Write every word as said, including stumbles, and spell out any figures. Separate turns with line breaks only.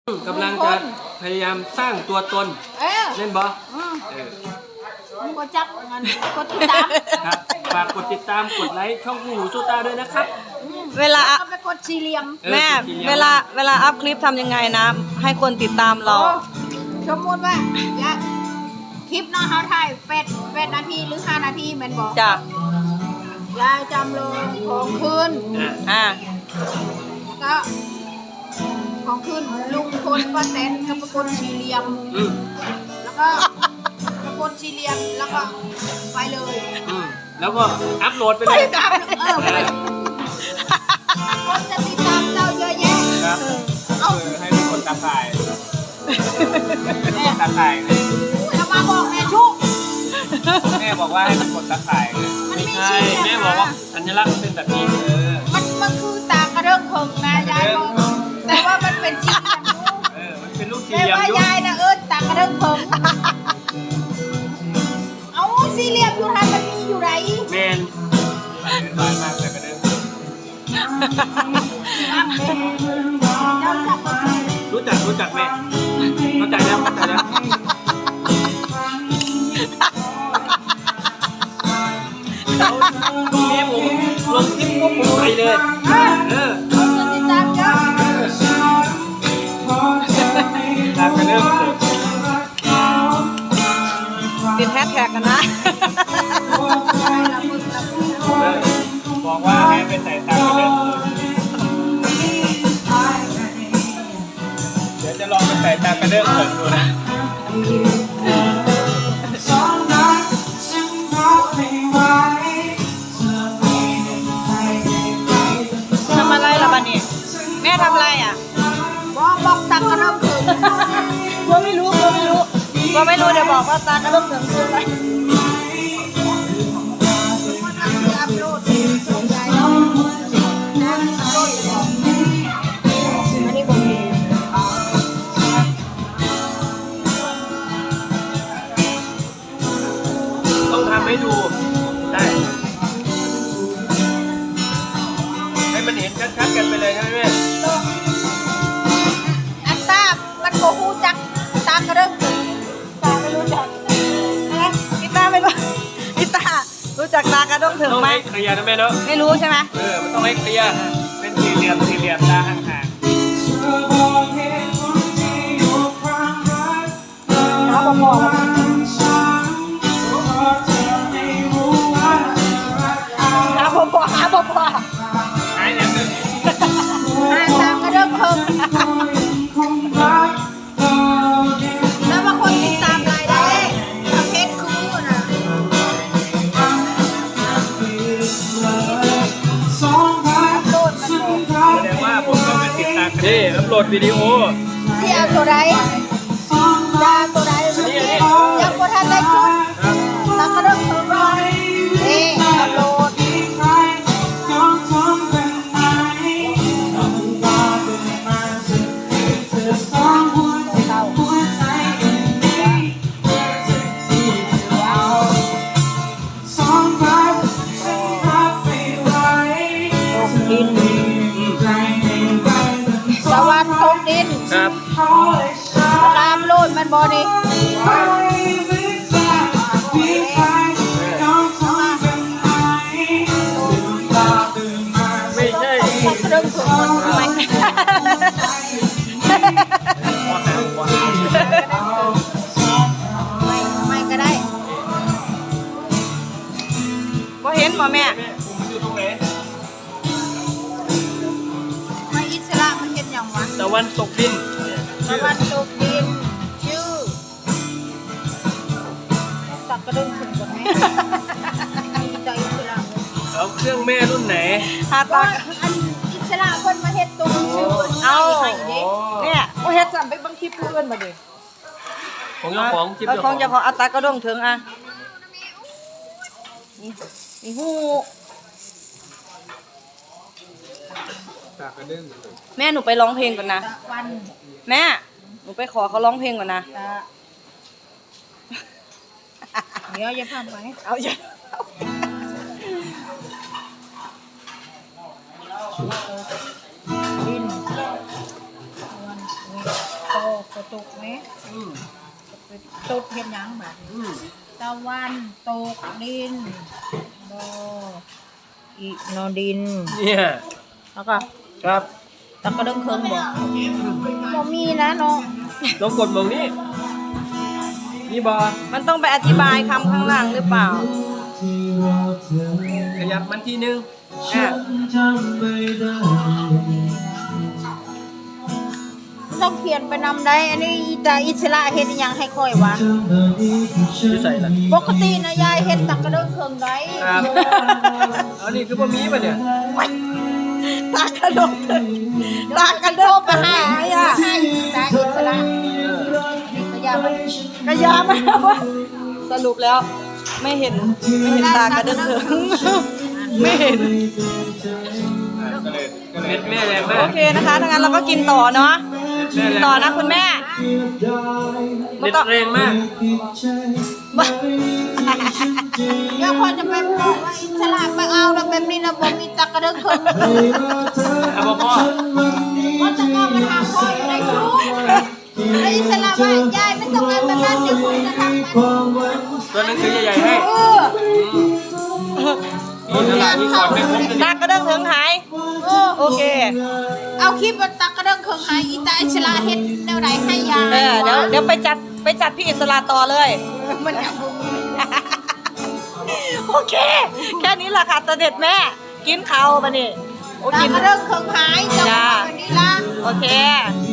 กำลังจะพยายามสร้างตัวตนเล่นบอ
มึงก็จับงานกดติดตาม
ครับฝากกดติดตามกดไลค์ช่องคู่หูสู้ตาด้วยนะครับ
เวลาไปกดสี่เหลี่ยม
แม่เวลาเวลาอัพคลิปทำยังไงนะให้คนติดตามเรา
สมมติว่าคลิปน้องเขาถ่ายแปดแปดนาทีหรือห้านาทีแม่นบอก
จ้ะ
ยายจำลงของคืน
อ่า
ก็ของคืนลุงพลป้าแตนก็ประกดสี่เหลี่ยมแล้วก็ประกดสี่เหลี่ยมแล้วก็ไปเลย
แล้วก็อัพโหลดไปเลย
เออคนจะติดตามเราเยอะแยะ
ครับเอาให้ทุกคนตาข่ายตาข่าย
ทำมาบอกแม่ชุก
แม่บอกว่าให้มันกดตาข่ายไม่ใช่แม่บอกว่าสัญลักษณ์เป็นแบบนี้เออ
มันมันคือตากระเรื่องเพิงนะยายบอกแต่ว่ามันเป็นสี่เหลี่ยม
เออมันเป็นลูกสี่เหลี่ยม
แต่ว่ายายนะเออตากระเรื่องเพิงเอาสี่เหลี่ยมอยู่ทันมันมีอยู่ไหน
แมนเป็นบ้านมากแต่กระเรื่องรู้จักรู้จักแม่เข้าใจแล้วเข้าใจแล้วตรงนี้ผมลงคลิปก็ผมไปเลยเออ
ติดตามเยอะ
ตามกันเริ่ม
ติดแฮชแท็กกันนะ
บอกว่าให้ไปใส่ตามกันเริ่มเดี๋ยวจะลองไปใส่ตามกันเริ่มเปิดดูนะ
ทำอะไรล่ะบ้านนี้แม่ทำอะไรอ่ะ
บอกบอกตากระเริ่มถึง
ก็ไม่รู้ก็ไม่รู้ก็ไม่รู้เดี๋ยวบอกว่าตากระเริ่มถึงคืออะไร
ต้องทำให้ดูได้ให้มันเห็นชัดๆกันไปเลยใช่ไหม
อันตามันโกหูจักตากระเริ่มถึงตาไม่รู้จัก
นะพี่ตาไม่รู้พี่ตารู้จักตากระด้งถึงไหม
เคลียร์นะแม่เนาะ
ไม่รู้ใช่ไหม
เออมันต้องให้เคลียร์เป็นสี่เหลี่ยมสี่เหลี่ยมตาห่างๆ
น้าบอกบอกหาพ่อพ่อหาพ่อพ่อ
หายอย่างนึง
หาตามกระเริ่มเพิ่มแล้วบางคนติดตามรายได้ประเภทคู่นะโหลดมัน
แสดงว่าผมก็เป็นติดตามนี่อัพโหลดวิดีโอ
ที่เอาตัวใดยาตัวใดยังพอทันได้คุณตากระเริ่มเพิ่มนี่อัพโหลดสวัสดิ์ทงดิน
ครับ
ตามโลดมันบอดี้
ไม่ใช่
เรื่องถูกมันทำไมไม่ไม่ก็ได้
ก็เห็นป่ะแม่
อยู่ตรงไหน
ไม่อิสระมันเห็นอย่างวะ
ตะวันตกดิน
ตะวันตกดินชื่อตักกระดุมถึงก่อนไหมใจอิสระ
เอาเครื่องแม่รุ่นไหน
หาตา
อันอิสระคนมาเฮ็ดตัวชื่อ
เอาเนี่ยโอ้เฮ็ดสั่นไปบางคลิปเพื่อนมาดิ
ของเจ้าของคลิป
เจ้าของเจ้าของอัตากระด้งถึงอ่ะนี่นี่หูแม่หนูไปร้องเพลงก่อนนะแม่หนูไปขอเขาร้องเพลงก่อนนะ
เดี๋ยวจะทำไหม
เอาอย่า
ดินกกระตุกไหม
อืม
ตกเห็นยังแบบ
อืม
ตะวันตกดินโดอีโนดิน
เนี่ย
แล้วก็
ครับ
ตะกระเด้งเคิงบอกบ่มีนะน้อง
ลองกดมองนี่นี่บอ
มันต้องไปอธิบายคำข้างหลังหรือเปล่า
ขยับมันทีนึง
อ่ะ
ต้องเขียนไปนำได้อันนี้อีตาอิสระเฮ็ดอิหยังให้ค่อยวะ
ที่ใส่ละ
ปกตินะยายเฮ็ดตะกระเด้งเคิงได้
ครับเอานี่คือบ่มีป่ะเนี่ย
ตากระโดดตากระโดดไปหาอ่ะ
ให้อีตาอิสระ
เออ
นี่ก็ยามัน
กระยามาว่าสรุปแล้ว ไม่เห็นไม่เห็นตากระเดินเถิงไม่เห็น
ก็เลยก็เลยแม่แรงมา
โอก เคนะคะถ้างั้นเราก็กินต่อเนาะ
แม่แรง
ต่อนะคุณแม่
เด็ดแรงมาก
เดี๋ยวคนจะไปบอกว่าอิสระไปเอาแล้วแบบนี้นะบ่มีตะกระเด้งเคิง
เอาบ่พ่อ
ก็จะก็มาถามพ่ออยู่ในชู้ไอ้อิสระว่ายายไม่ต้องมาแบบนั้นเดี๋ยวผมจะทำมัน
ตัวหนึงคือใหญ่ๆให้
เออ
นี่ตลาดนี่ก่อนไม่ครบเลย
ตากระเดินเถิงหาย
เออ
โอเค
เอาคลิปว่าตะกระเด้งเคิงหายอีตาอิสระเฮ็ดแนวไหนให้ยาย
เออเดี๋ยวเดี๋ยวไปจัดไปจัดพี่อิสระต่อเลย
มันยังบ่มี
โอเค แค่นี้แหละค่ะตาเด็ดแม่ กินเขาวมานี่โอ้
ตะ
กิน
กระเด้งเคิงหายจะ
จ้า
มาวันนี้ละ
โอเค
เ